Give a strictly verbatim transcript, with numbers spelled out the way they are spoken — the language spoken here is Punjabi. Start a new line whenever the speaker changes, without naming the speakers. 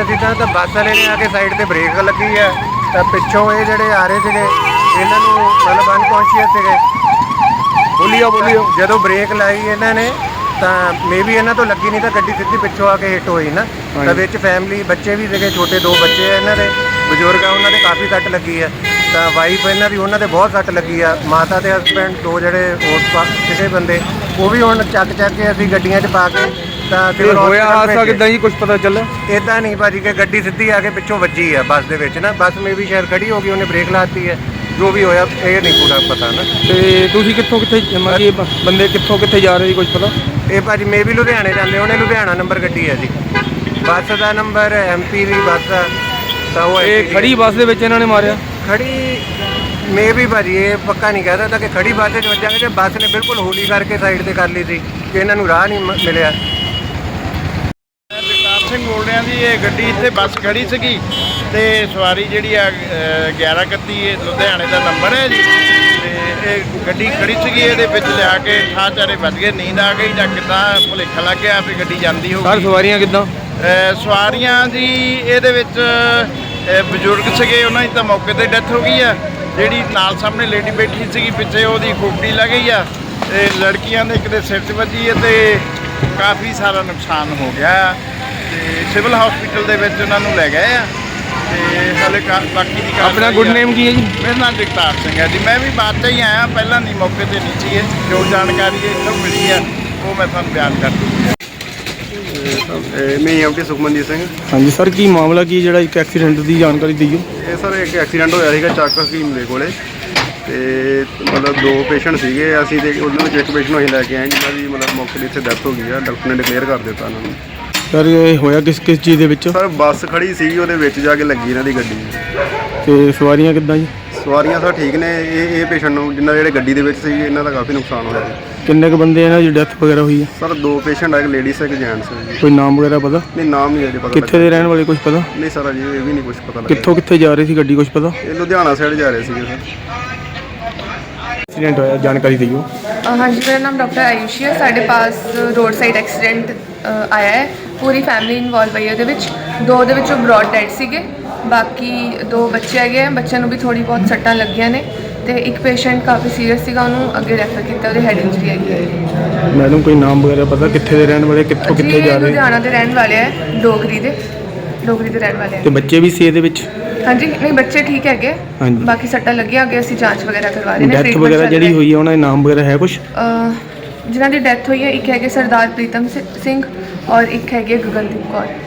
ਅਸੀਂ ਤਾਂ ਬੱਸ ਵਾਲੇ ਨੇ ਆ ਕੇ ਸਾਈਡ ਤੇ ਬ੍ਰੇਕ ਲੱਗੀ ਹੈ ਤਾਂ ਪਿੱਛੋਂ ਇਹ ਜਿਹੜੇ ਆ ਰਹੇ ਸੀਗੇ ਇਹਨਾਂ ਨੂੰ ਮਤਲਬ ਅਨਕੌਂਸ਼ੀਅਸ ਸੀਗੇ।
ਬੋਲੀਓ ਬੋਲੀਓ
ਜਦੋਂ ਬ੍ਰੇਕ ਲਾਈ ਇਹਨਾਂ ਨੇ ਤਾਂ ਮੇ ਵੀ ਇਹਨਾਂ ਤੋਂ ਲੱਗੀ ਨਹੀਂ ਤਾਂ ਗੱਡੀ ਸਿੱਧੀ ਪਿੱਛੋਂ ਆ ਕੇ ਹਿੱਟ ਹੋਈ ਨਾ। ਤਾਂ ਵਿੱਚ ਫੈਮਿਲੀ ਬੱਚੇ ਵੀ ਸੀਗੇ, ਛੋਟੇ ਦੋ ਬੱਚੇ ਆ ਇਹਨਾਂ ਦੇ, ਬਜ਼ੁਰਗ ਆ ਉਹਨਾਂ ਦੇ ਕਾਫੀ ਸੱਟ ਲੱਗੀ ਆ। ਤਾਂ ਵਾਈਫ ਇਹਨਾਂ ਦੀ ਉਹਨਾਂ ਦੇ ਬਹੁਤ ਸੱਟ ਲੱਗੀ ਆ। ਮਾਤਾ ਤੇ ਹਸਬੈਂਡ ਦੋ ਜਿਹੜੇ ਹੋਰ ਸੀਗੇ ਬੰਦੇ ਉਹ ਵੀ ਹੁਣ ਚੱਕ ਚੱਕ ਕੇ ਅਸੀਂ ਗੱਡੀਆਂ 'ਚ ਪਾ ਕੇ ਤਾਂ
ਫਿਰ ਹੋਇਆ ਹਾਦਸਾ ਕਿੱਦਾਂ ਜੀ, ਕੁਝ ਪਤਾ ਚੱਲਿਆ?
ਇੱਦਾਂ ਨਹੀਂ ਭਾਜੀ ਕਿ ਗੱਡੀ ਸਿੱਧੀ ਆ ਕੇ ਪਿੱਛੋਂ ਵੱਜੀ ਆ ਬੱਸ ਦੇ ਵਿੱਚ ਨਾ। ਬੱਸ ਮੇ ਵੀ ਸ਼ਾਇਦ ਖੜੀ ਹੋ ਗਈ, ਉਹਨੇ ਬ੍ਰੇਕ ਲਾਤੀ ਹੈ, ਜੋ ਵੀ ਹੋਇਆ ਇਹ ਨਹੀਂ ਪੂਰਾ ਪਤਾ ਨਾ।
ਤੇ ਤੁਸੀਂ ਕਿੱਥੋਂ ਕਿੱਥੇ ਮਤਲਬ ਬੰਦੇ ਕਿੱਥੋਂ ਕਿੱਥੇ ਜਾ ਰਹੇ ਸੀ, ਕੁਝ ਪਤਾ?
ਇਹ ਭਾਜੀ ਮੇ ਵੀ ਲੁਧਿਆਣੇ ਜਾਂਦੇ, ਉਹਨੇ ਲੁਧਿਆਣਾ ਨੰਬਰ ਗੱਡੀ ਹੈ ਜੀ, ਬੱਸ ਦਾ ਨੰਬਰ ਐਮ ਪੀ ਦੀ ਬੱਸ ਆ। ਤਾਂ ਉਹ
ਇਹ ਖੜੀ ਬੱਸ ਦੇ ਵਿੱਚ ਇਹਨਾਂ ਨੇ ਮਾਰਿਆ?
ਖੜੀ ਮੇ ਵੀ ਭਾਜੀ ਇਹ ਪੱਕਾ ਨਹੀਂ ਕਹਿ ਸਕਦਾ ਕਿ ਖੜੀ ਬੱਸ 'ਚ ਵੱਜਾਂਗੇ ਕਿ ਬੱਸ ਨੇ ਬਿਲਕੁਲ ਹੌਲੀ ਕਰਕੇ ਸਾਈਡ ਤੇ ਕਰ ਲਈ ਸੀ ਕਿ ਇਹਨਾਂ ਨੂੰ ਰਾਹ ਨਹੀਂ ਮਿਲਿਆ।
ਜਗਤਾਰ ਸਿੰਘ ਬੋਲ ਰਿਹਾ ਜੀ। ਇਹ ਗੱਡੀ ਇੱਥੇ ਬੱਸ ਖੜੀ ਸੀਗੀ ਤੇ ਸਵਾਰੀ ਜਿਹੜੀ ਆ ਗਿਆਰਾਂ ਇਕੱਤੀ ਇਹ ਲੁਧਿਆਣੇ ਦਾ ਨੰਬਰ ਹੈ ਜੀ। ਤੇ ਇਹ ਗੱਡੀ ਖੜੀ ਸੀਗੀ, ਇਹਦੇ ਵਿੱਚ ਲਿਆ ਕੇ ਠਾਹ ਚਾਰੇ ਵੱਜ ਗਏ, ਨੀਂਦ ਆ ਗਈ ਜਾਂ ਕਿੱਦਾਂ ਭੁਲੇਖਾ ਲੱਗ ਗਿਆ ਵੀ ਗੱਡੀ ਜਾਂਦੀ ਹੋਊਗੀ।
ਸਰ ਸਵਾਰੀਆਂ ਕਿੱਦਾਂ?
ਸਵਾਰੀਆਂ ਜੀ ਇਹਦੇ ਵਿੱਚ ਬਜ਼ੁਰਗ ਸੀਗੇ, ਉਹਨਾਂ ਦੀ ਤਾਂ ਮੌਕੇ 'ਤੇ ਡੈਥ ਹੋ ਗਈ ਆ। ਜਿਹੜੀ ਨਾਲ ਸਾਹਮਣੇ ਲੇਡੀ ਬੈਠੀ ਸੀਗੀ ਪਿੱਛੇ ਉਹਦੀ ਖੋਪੜੀ ਲੱਗ ਗਈ ਆ। ਤੇ ਲੜਕੀਆਂ ਦੇ ਇੱਕ ਦੇ ਸਿਰ 'ਚ ਵੱਜੀ ਹੈ ਤੇ ਕਾਫੀ ਸਾਰਾ ਨੁਕਸਾਨ ਹੋ ਗਿਆ ਤੇ ਸਿਵਲ ਹਸਪੀਟਲ ਦੇ ਵਿੱਚ ਉਹਨਾਂ ਨੂੰ ਲੈ ਗਏ ਆ ਤੇ ਹਾਲੇ ਬਾਕੀ ਦੀ
ਆਪਣਾ ਗੁੱਡ ਨੇਮ ਕੀ ਹੈ ਜੀ?
ਮੇਰਾ ਨਾਮ ਜਗਤਾਰ ਸਿੰਘ ਹੈ ਜੀ। ਮੈਂ ਵੀ ਬਾਅਦ 'ਚ ਹੀ ਆਇਆ, ਪਹਿਲਾਂ ਨਹੀਂ ਮੌਕੇ 'ਤੇ ਨਹੀਂ ਸੀਗੇ। ਜੋ ਜਾਣਕਾਰੀ ਇੱਥੋਂ ਮਿਲੀ ਆ ਉਹ ਮੈਂ ਤੁਹਾਨੂੰ ਬਿਆਨ ਕਰ ਦੂੰਗਾ।
ਮੈਂ ਐਮਟੀ ਸੁਖਮਨਜੀਤ ਸਿੰਘ।
ਹਾਂਜੀ ਸਰ, ਕੀ ਮਾਮਲਾ ਕੀ ਜਿਹੜਾ ਇੱਕ ਐਕਸੀਡੈਂਟ ਦੀ ਜਾਣਕਾਰੀ ਦਿਓ?
ਇਹ ਸਰ ਇੱਕ ਐਕਸੀਡੈਂਟ ਹੋਇਆ ਸੀਗਾ ਚੱਕ ਹਕੀਮ ਦੇ ਕੋਲੇ ਤੇ ਮਤਲਬ ਦੋ ਪੇਸ਼ੈਂਟ ਸੀਗੇ ਅਸੀਂ ਤੇ ਉਹਨਾਂ ਵਿੱਚ ਇੱਕ ਪੇਸ਼ੈਂਟ ਨੂੰ ਅਸੀਂ ਲੈ ਕੇ ਆਏ ਜਿਹਨਾਂ ਦੀ ਮਤਲਬ ਮੌਕੇ 'ਤੇ ਇੱਥੇ ਡੈਥ ਹੋ ਗਈ ਆ। ਡਾਕਟਰ ਨੇ ਡਿਕਲੇਅਰ ਕਰ ਦਿੱਤਾ ਉਹਨਾਂ ਨੂੰ।
ਸਰ ਇਹ ਹੋਇਆ ਕਿਸ ਕਿਸ ਚੀਜ਼ ਦੇ ਵਿੱਚ?
ਸਰ ਬੱਸ ਖੜੀ ਸੀਗੀ, ਉਹਦੇ ਵਿੱਚ ਜਾ ਕੇ ਲੱਗੀ ਇਹਨਾਂ ਦੀ ਗੱਡੀ।
ਤੇ ਸਵਾਰੀਆਂ ਕਿੱਦਾਂ ਜੀ?
ਸਵਾਰੀਆਂ ਸਰ ਠੀਕ ਨੇ। ਇਹ ਇਹ ਪੇਸ਼ੈਂਟ ਨੂੰ ਜਿਨ੍ਹਾਂ ਜਿਹੜੇ ਗੱਡੀ ਦੇ ਵਿੱਚ ਸੀ ਇਹਨਾਂ ਦਾ ਕਾਫੀ ਨੁਕਸਾਨ ਹੋਇਆ।
ਕਿੰਨੇ ਕੁ ਬੰਦੇ ਇਹਨਾਂ ਦੀ ਡੈਥ ਵਗੈਰਾ ਹੋਈ ਹੈ?
ਸਰ ਦੋ ਪੇਸ਼ੈਂਟ ਆ, ਇੱਕ ਲੇਡੀਜ਼ ਇੱਕ ਜੈਂਟਸ ਹੈ।
ਕੋਈ ਨਾਮ ਵਗੈਰਾ ਪਤਾ?
ਨਹੀਂ ਨਾਮ ਨਹੀਂ ਅਜੇ ਪਤਾ।
ਕਿੱਥੇ ਦੇ ਰਹਿਣ ਵਾਲੇ ਕੁਝ ਪਤਾ?
ਨਹੀਂ ਸਰ ਅਜੇ ਇਹ ਵੀ ਨਹੀਂ ਕੁਝ ਪਤਾ ਲੱਗਿਆ।
ਕਿੱਥੋਂ ਕਿੱਥੇ ਜਾ ਰਹੀ ਸੀ ਗੱਡੀ, ਕੁਝ ਪਤਾ?
ਇਹ ਲੁਧਿਆਣਾ ਸਾਈਡ ਜਾ ਰਹੇ ਸੀਗੇ ਸਰ।
ਐਕਸੀਡੈਂਟ ਹੋਇਆ, ਜਾਣਕਾਰੀ ਦਿਓ।
हाँ जी, मेरा नाम डॉक्टर आयुषी है। साढ़े पास रोड साइड एक्सीडेंट आया है, पूरी फैमिली इन्वॉल्व है ਉਹਦੇ ਵਿੱਚ। ਦੋ ਦੇ ਵਿੱਚੋਂ ਬ੍ਰੌਡ ਡੈਡ ਸੀਗੇ, ਬਾਕੀ ਦੋ ਬੱਚੇ ਹੈਗੇ ਆ। ਬੱਚਿਆਂ ਨੂੰ ਵੀ ਥੋੜੀ ਬਹੁਤ ਸੱਟਾਂ ਲੱਗੀਆਂ ਨੇ ਤੇ ਇੱਕ ਪੇਸ਼ੈਂਟ ਕਾਫੀ ਸੀਰੀਅਸ ਸੀਗਾ, ਉਹਨੂੰ ਅੱਗੇ ਰੈਫਰ ਕੀਤਾ, ਉਹਦੇ ਹੈਡ ਇੰਜਰੀ ਹੈਗੀ ਹੈ।
ਮੈਡਮ ਕੋਈ ਨਾਮ ਵਗੈਰਾ ਪਤਾ ਕਿੱਥੇ ਦੇ ਰਹਿਣ ਵਾਲੇ, ਕਿੱਥੋਂ ਕਿੱਥੇ ਜਾ ਰਹੇ?
ਲੁਧਿਆਣਾ ਦੇ ਰਹਿਣ ਵਾਲੇ ਆ, ਡੋਗਰੀ ਦੇ ਡੋਗਰੀ ਦੇ ਰਹਿਣ ਵਾਲੇ ਆ।
ਤੇ ਬੱਚੇ ਵੀ ਸੀ ਇਹਦੇ ਵਿੱਚ?
ਹਾਂਜੀ ਨਹੀਂ ਬੱਚੇ ਠੀਕ ਹੈਗੇ,
ਹਾਂਜੀ।
ਬਾਕੀ ਸੱਟਾਂ ਲੱਗੀਆਂ, ਅੱਗੇ ਅਸੀਂ ਜਾਂਚ ਵਗੈਰਾ ਕਰਵਾ ਰਹੇ ਨੇ।
ਡੈਥ ਵਗੈਰਾ ਜਿਹੜੀ ਹੋਈ ਹੈ ਉਹਨਾਂ ਦੇ ਨਾਮ ਵਗੈਰਾ ਹੈ ਕੁਝ?
ਜਿਨ੍ਹਾਂ ਦੀ ਡੈਥ ਹੋਈ ਹੈ, ਇੱਕ ਹੈਗੇ ਸਰਦਾਰ ਪ੍ਰੀਤਮ ਸਿੰਘ ਔਰ ਇੱਕ ਹੈਗੇ ਗਗਨਦੀਪ ਕੌਰ।